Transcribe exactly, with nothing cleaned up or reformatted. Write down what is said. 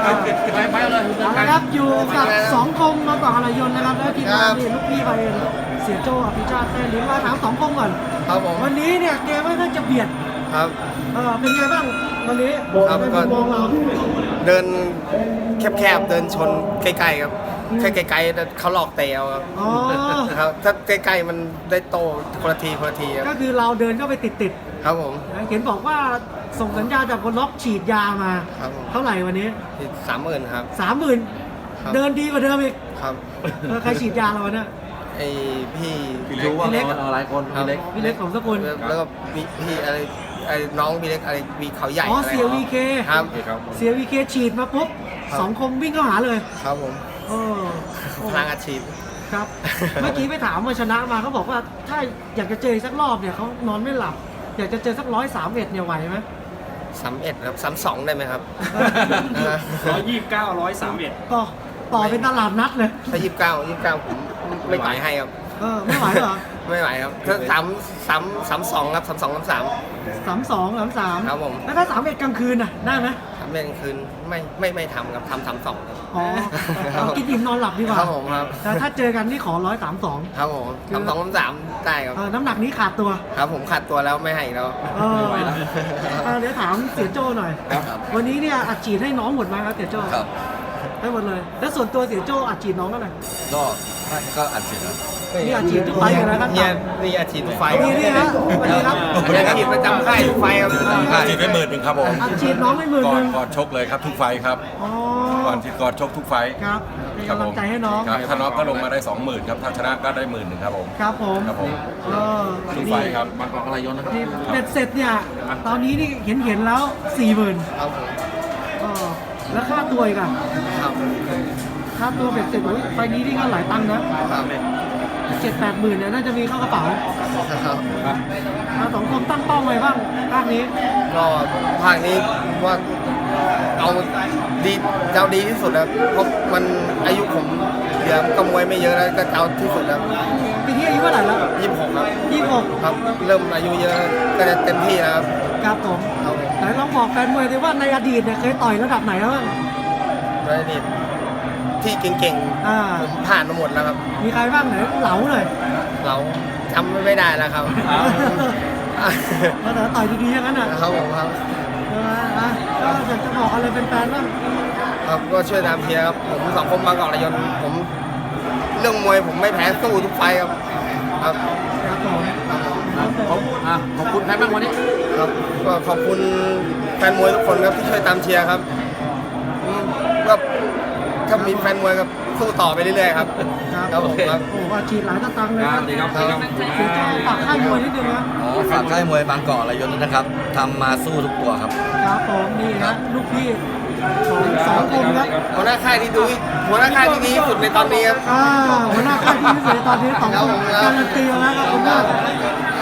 ไปไปเลยนะครับอยู่กับสองคมมาต่ออะไรยนต์นะครับแล้วทีมงานนี่ลูกพี่ไปเองเสียโจอภิชาติแท้ลิ้นมาถามสองคมก่อนครับผมวันนี้เนี่ยเกมไม่ค่อยจะเบียดครับเออเป็นไงบ้างวันนี้ครับก็มองเราเดินแคบๆเดินชนใกล้ๆครับแค่ไกลๆเขาหลอกเตะเอาครับครับถ้าใกล้ๆมันได้โตคนละทีคนละทีครับก็คือเราเดินเข้าไปติดๆครับผมเห็นบอกว่าส่งสัญญาจากคนล็อกฉีดยามาเท่าไหร่วันนี้สามหมื่นครับสามหมื่นเดินดีกว่าเดิมอีกครับใครฉีดยาเราเนี่ยไอพี่พี่รู้ว่าเราหลายคนพี่เล็กพี่เล็กของสกุลแล้วก็พี่อะไรไอ้น้องพี่เล็กอะไรมีเขาใหญ่อ๋อเสียวีเคครับเสียวีเคฉีดมาปุ๊บสองคมวิ่งเข้าหาเลยครับผมเออพลังอาชีพครับเมื่อกี้ไปถามมาชนะมาเขาบอกว่าถ้าอยากจะเจอสักรอบเนี่ยเขานอนไม่หลับอยากจะเจอสักร้อยสามเอ็ดเนี่ยไหวไหมสามเอ็ดครับสามสองได้ไหมครับร้อยยี่สิบเก้าร้อยสามเอ็ดก็ต่อเป็นตลาดนัดเลยถ้ายี่สิบเก้ายี่สิบเก้าผมไม่ไหวให้ครับเออไม่ไหวเหรอไม่ไหวครับถ้าสามสามสามสองครับสามสองสามสามสามสองสามสามครับผมแล้วถ้าสามเอ็ดกลางคืนน่ะได้ไหมสามเอ็ดกลางคืนไม่ไม่ไม่ทำครับทำสามสองอ๋อเอากินอิ่มนอนหลับดีกว่าครับผมครับแต่ถ้าเจอกันนี่ขอร้อยสามสองครับผมสามสองสามสามได้ครับน้ำหนักนี้ขาดตัวครับผมขาดตัวแล้วไม่ให้แล้วไม่ไหวแล้วเดี๋ยวถามเสียโจ้หน่อยวันนี้เนี่ยอัดฉีดให้น้องหมดไหมครับเสียโจ้ให้หมดเลยแล้วส่วนตัวเสียโจ้อัดฉีดน้องก็ไหนก็ก็อัดฉีดครับนี่อาชีพทุกไฟอยู่แล้วครับนี่นี่อาชีพทุกไฟนี่นี่ฮะวันนี้ครับอาชีพประจำค่ายทุกไฟครับอาชีพไม่หมื่นหนึ่งครับผมอาชีพน้องไม่หมื่นหนึ่งก่อนชกเลยครับทุกไฟครับก่อนที่ก่อนชกทุกไฟครับเป็นกำลังใจให้น้องถ้าน้องก็ลงมาได้สองหมื่นครับถ้าชนะก็ได้หมื่นหนึ่งครับผมครับผมครับผมทุกไฟครับบางกอกอะไรยนนะครับเบ็ดเสร็จเนี่ยตอนนี้นี่เห็นเห็นแล้วสี่หมื่นครับผมแล้วค่าตัวอีกอ่ะค่าตัวเบ็ดเสร็จไปนี้นี่ก็หลายตังค์นะเจ็ดแปดหมื่นเนี่ยน่าจะมีเข้ากระเป๋าสองคนตั้งเป้าไว้บ้างภาคนี้ก็ภาคนี้ว่าเอาดีเอาดีที่สุดแล้วเพราะมันอายุผมเหลือกำมวยไม่เยอะแล้วก็เอาที่สุดแล้วปีที่อายุเท่าไหร่แล้วยี่สิบหกครับยี่สิบหกครับเริ่มอายุเยอะก็จะเต็มที่แล้วครับครับผมไหนลองบอกแฟนมวยดิว่าในอดีตเนี่ยเคยต่อยระดับไหนแล้วบ้างในอดีตที่เก่งๆผมผ่านมาหมดแล้วครับมีใครบ้างไหนเหลาเลยเหลาจำไม่ได้แล้วครับแต่ต่อยดีๆอย่างนั้นอ่ะครับผมครับก็อยากจะบอกอะไรเป็นแฟนบ้างครับก็ช่วยตามเชียร์ครับผมสองคนบางกอกระยนผมเรื่องมวยผมไม่แพ้สู้ทุกไฟครับครับครับผมขอบคุณใครบ้างวันนี้ครับก็ขอบคุณแฟนมวยทุกคนครับที่ช่วยตามเชียร์ครับก็ถ้ามีแฟนมวยก็สู้ต่อไปเรื่อยๆครับครับผมครับโอ้โหฉีดหลายตะตังเลยครับดีครับเสียใจฝากค่ายมวยนิดนึงนะอ๋อฝากค่ายมวยบางกอกอะไรยนนะครับทำมาสู้ทุกตัวครับครับผมนี่นะลูกพี่ของสองคนครับหัวหน้าค่ายที่ดูหัวหน้าค่ายที่ดีที่สุดในตอนนี้ครับอ่าหัวหน้าค่ายที่ดีที่สุดในตอนนี้สองคนการันตีแล้วครับผมว่า